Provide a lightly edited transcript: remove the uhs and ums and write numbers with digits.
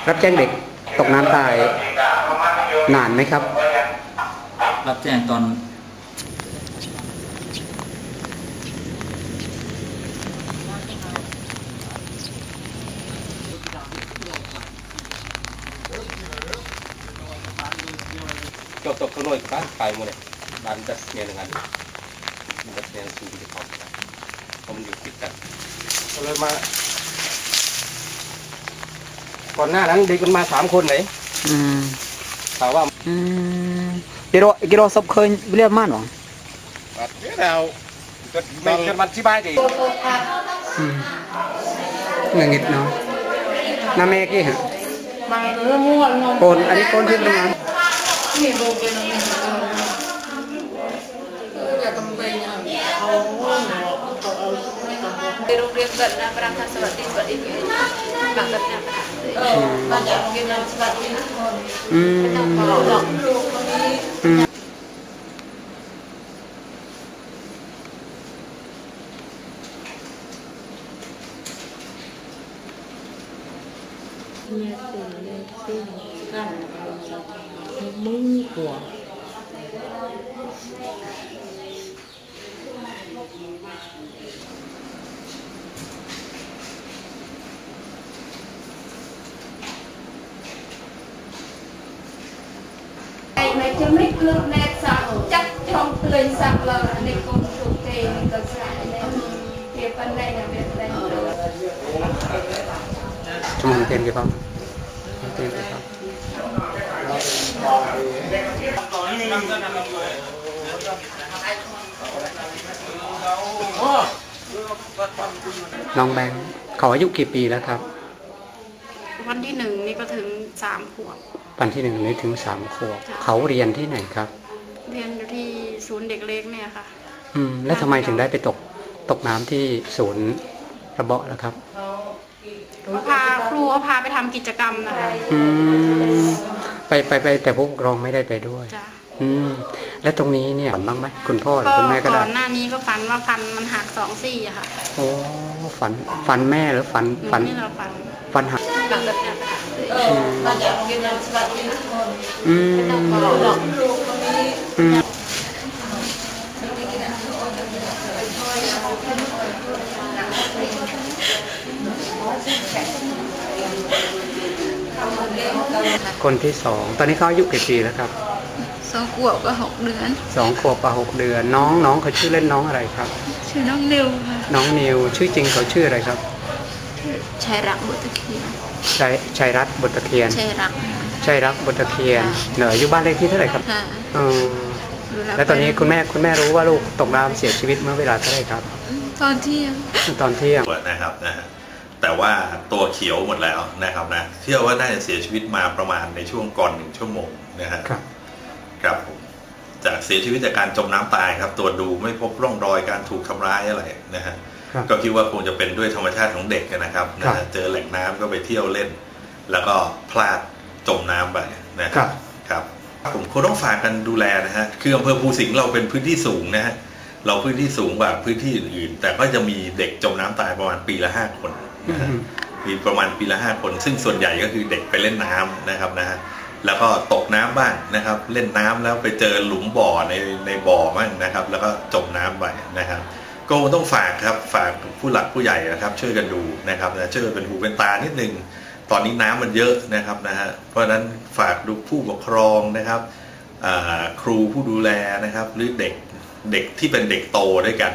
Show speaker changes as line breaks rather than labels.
รับแจ้งเด็กตกน้ำตายนานไหมครับ
รับแจ้งตอน
จบข้างนอกบ้านไปหมดเลยบ้านจัดเนียอย่างนั้นจัดเนียสูงที่เขาเพราะมันอยู่ติดกันก็เลยมาก่อนหน้านั้นเด็กมันมา3 คนไหนถามว่า
กิโลซับเคยเรียกมากหรอ
เราไม่เกิดมันที่บ้านดิ
เงินเนาะน้าแม่กี่ฮะโกนอันนี้โกนที่ทำงาน
di rumah kerja perangkat seperti ini, bangetnya banyak mungkin seperti ini. Này cho mấy nước nét sạc chắc trong tươi sạc là này cũng thuộc kề mình cần sạc này thì phần này là việc đây
cho mình tên cái không tên cái khôngน้องแบงค์เขาอายุกี่ปีแล้วครับ
วันที่1นี่ก็ถึง3 ขวบ
วันที่1นี่ถึง3 ขวบเขาเรียนที่ไหนครับ
เรียนอยู่ที่ศูนย์เด็กเล็กเนี่ยค่ะ
แล้วทำไมถึงได้ไปตกน้ำที่ศูนย์ระเบาะล่ะครับ
ครูพาไปทำกิจกรรมนะคะ
ไปแต่ผู้ปกครองไม่ได้ไปด้วยและตรงนี้เนี่ยฝันบ้างไหมคุณพ่อหรือคุณแม่ก็ได้
ก่อนหน้านี้ก็ฝันว่าฟันมันหัก2 ซี่อะค่ะ
โอ้ฝันแม่หรือฝัน
นี่เรา
ฟันหัก
banyak mungkin seperti ini.
คนที่2ตอนนี้เขาอายุกี่ปีแล้วครับ
2 ขวบกับ 6 เดือน
2 ขวบกับ 6 เดือนน้องเขาชื่อเล่นน้องอะไรครับ
ชื่อน้องนิวค่ะ
น้องนิวชื่อจริงเขาชื่ออะไรครับ
ชัยรักบุตรเคียน
ชัยรัตน์บุตรเคียนชัยรักบุตรเคียนเหนืออยู่บ้านเลขที่เท่าไหร่ครับแล้วตอนนี้คุณแม่รู้ว่าลูกตกน้ำเสียชีวิตเมื่อเวลาเท่าไหร่ครับ
ตอนเที่ยง
นะครับแต่ว่าตัวเขียวหมดแล้วนะครับนะเชื่อว่าน่าจะเสียชีวิตมาประมาณในช่วงก่อน1 ชั่วโมงครับผมจากเสียชีวิตจากการจมน้ำตายครับตัวดูไม่พบร่องรอยการถูกทำร้ายอะไรนะฮะก็คิดว่าคงจะเป็นด้วยธรรมชาติของเด็กนะครับเจอแหล่งน้ำก็ไปเที่ยวเล่นแล้วก็พลาดจมน้ำไปนะครับผมคงต้องฝากกันดูแลนะฮะคืออำเภอภูสิงห์เราเป็นพื้นที่สูงนะฮะเราพื้นที่สูงกว่าพื้นที่อื่นๆแต่ก็จะมีเด็กจมน้ำตายประมาณปีละ5 คนมีประมาณปีละ5 คนซึ่งส่วนใหญ่ก็คือเด็กไปเล่นน้ำนะครับนะฮะแล้วก็ตกน้ำบ้างนะครับเล่นน้ำแล้วไปเจอหลุมบ่อในบ่อบ้างนะครับแล้วก็จมน้ำไปนะครับก็ต้องฝากครับฝากผู้หลักผู้ใหญ่นะครับช่วยกันดูนะครับนะช่วยเป็นหูเป็นตานิดนึงตอนนี้น้ำมันเยอะนะครับนะฮะเพราะฉะนั้นฝากดูผู้ปกครองนะครับครูผู้ดูแลนะครับหรือเด็กที่เป็นเด็กโตด้วยกัน